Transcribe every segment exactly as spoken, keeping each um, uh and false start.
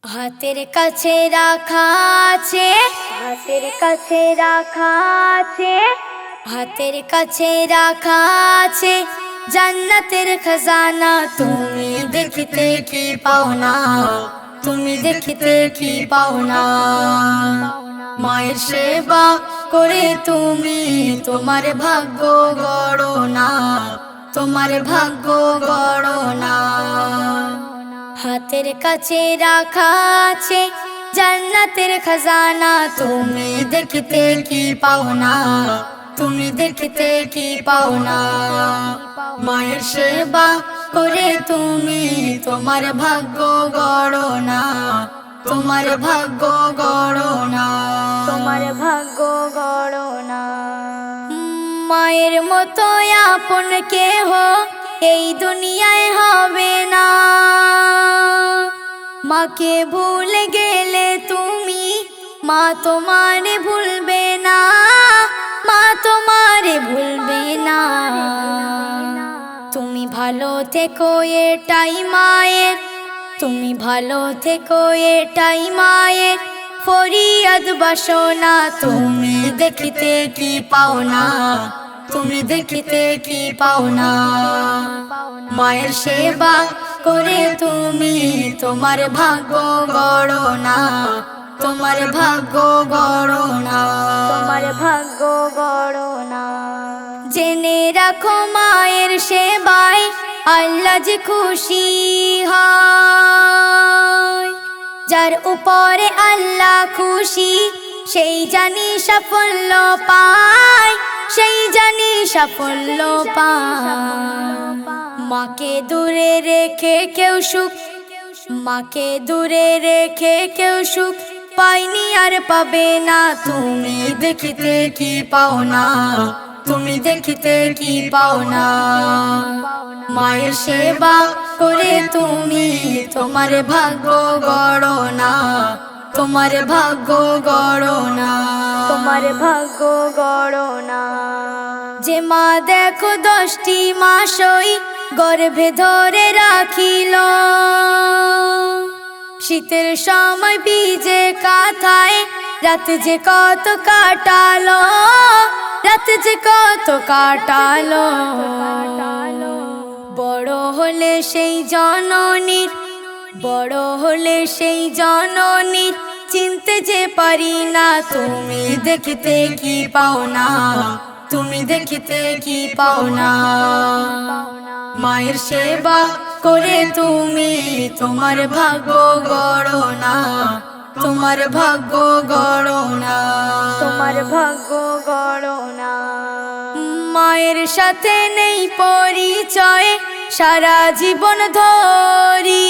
হাতের কাছে রাখা আছে, হাতের কাছে রাখা আছে, হাতের কাছে রাখা আছে জান্নাতের খাজানা। তুমি দেখিতে কি পাও না, তুমি দেখিতে কি পাও না। মায়ের সেবা করে তুমি তোমার ভাগ্য গড়ো না, তোমার ভাগ্য গড়ো না। হাতের কাছে রাখা আছে জান্নাতের খাজানা। তুমি দেখিতে কি পাও না, তুমি দেখিতে কি পাও না। মায়ের সেবা করে তুমি তোমার ভাগ্য গড়ো না, তোমার ভাগ্য গড়ো না, তোমার ভাগ্য গড়ো না। মায়ের মতো আপন কেহ এই দুনিয়ায় হবে না। মাকে ভুলে গেলে তুমি, মা তোমারে ভুলবে না, মা তোমারে ভুলবে না। তুমি ভালো থেকো এটাই মায়ের, তুমি ভালো থেকো এটাই মায়ের ফরিয়াদ বাসনা। তুমি দেখিতে কি পাও না, তুমি দেখিতে কি পাও না। মায়ের সেবা করে তুমি তোমার ভাগ্য গড়ো না, তোমার ভাগ্য গড়ো না, তোমার ভাগ্য গড়ো না। জেনে রাখো মায়ের সেবায় আল্লাহ যে খুশি হয়। যার উপরে আল্লাহ খুশি সেই জানি সাফল্য পায়, সেই জানি সাফল্য পায়। মাকে দূরে রেখে কেউ সুখ, মাকে দূরে রেখে কেউ সুখ পাইনি আর পাবে না। তুমি দেখিতে কি পাও না, তুমি দেখিতে কি পাও না। মায়ের সেবা করে তুমি তোমার ভাগ্য গড়ো না, তোমার ভাগ্য গড়ো না, তোমার ভাগ্য গড়ো না। যে মা দেখো দশটি মাসই গর্ভে ধরে রাখিল, শীতের সময় ভিজে কাঁথায় রাত যে কত কাটালো, রাত যে কত কাটালো। বড় হলে সেই জননীর, বড় হলে সেই জননীর চিনতে যে পারি না। তুমি দেখিতে কি পাও না, তুমি দেখিতে কি পাও না। মায়ের সেবা করে তুমি তোমার ভাগ্য গড়ো না, তোমার ভাগ্য গড়ো না, তোমার ভাগ্য গড়ো না। মায়ের সাথে নেই পরিচয় সারা জীবন ধরি,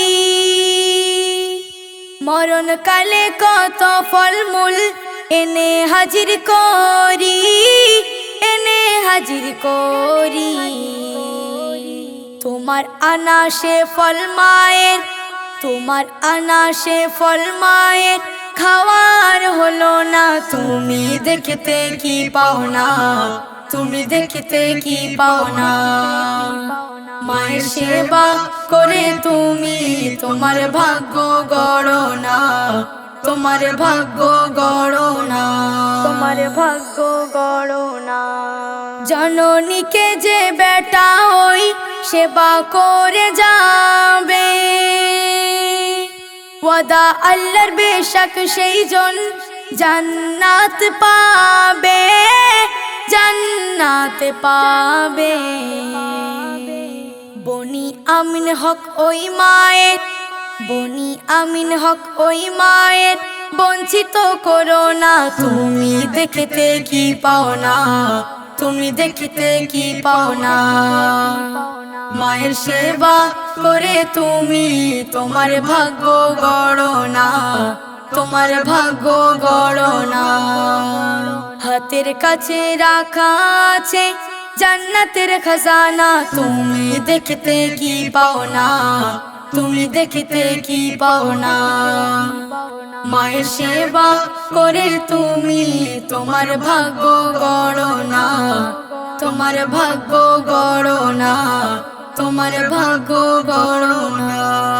মরণ কালে কত ফলমূল এনে হাজির করি, এনে হাজির করি। তোমার আনা সে ফল মায়ের, তোমার আনা সে ফল মায়ের খাওয়ার হলো না। তুমি দেখিতে কি পাও না, তুমি দেখিতে কি পাও না। মায়ের সেবা করে তুমি তোমার ভাগ্য গড়ো না, তোমার ভাগ্য গড়ো না, তোমার ভাগ্য গড়ো না। জননীকে যে বেটা হই সেবা করে যাবে, ওয়াদা আল্লাহর বেশক সেই জন জান্নাত পাবে, জান্নাত পাবে। বনি আমিন হক ওই মায়ের, বনি আমিন হক ওই মায়ের বঞ্চিত করো না। তুমি দেখিতে কি পাও না, তুমি দেখিতে কি পাও না। মায়ের সেবা করে তুমি তোমার ভাগ্য গড়ো না, তোমার ভাগ্য গড়ো না। হাতের কাছে রাখা আছে জান্নাতের খাজানা। তুমি দেখিতে কি পাও না, তুমি দেখিতে কি পাও না। মায়ের সেবা করে তুমি তোমার ভাগ্য গড়ো না, তোমার ভাগ্য গড়ো না, তোমার ভাগ্য গড়ো না।